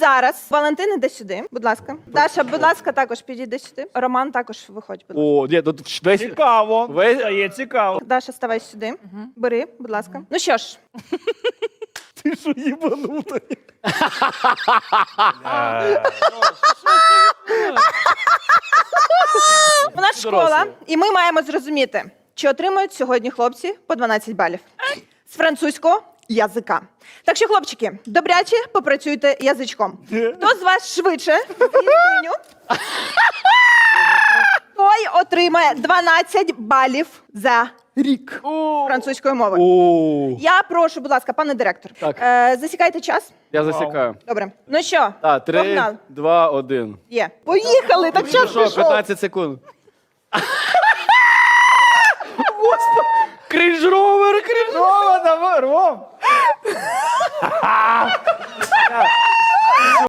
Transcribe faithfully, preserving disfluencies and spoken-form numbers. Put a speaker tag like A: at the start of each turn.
A: зараз Валентин іде сюди, будь ласка. Даша, будь ласка, також підійди сюди. Роман також виходь, будь ласка.
B: О, ні, тут весь...
C: Цікаво.
B: Весь...
C: Стає цікаво.
A: Даша, ставай сюди. Бери, будь ласка. Ну що ж,
C: Ти що їбанута?
A: у нас школа, і ми маємо зрозуміти, чи отримують сьогодні хлопці по дванадцять балів. З французького язика. Так що, хлопчики, добряче попрацюйте язичком. Хто з вас швидше з'їздиню, той отримає дванадцять балів за рік французької мови.
B: О,
A: Я прошу, будь ласка, пане директор,
B: Так.
A: е, засікайте час.
B: я засікаю.
A: Добре. Ну що,
B: Так, три,
A: погнали.
B: два, один.
A: Є. Поїхали, так час
B: Що,
A: пішов.
B: п'ятнадцять секунд. Крінж-ровер, крінж-ровер.
C: Ром, давай, Ром!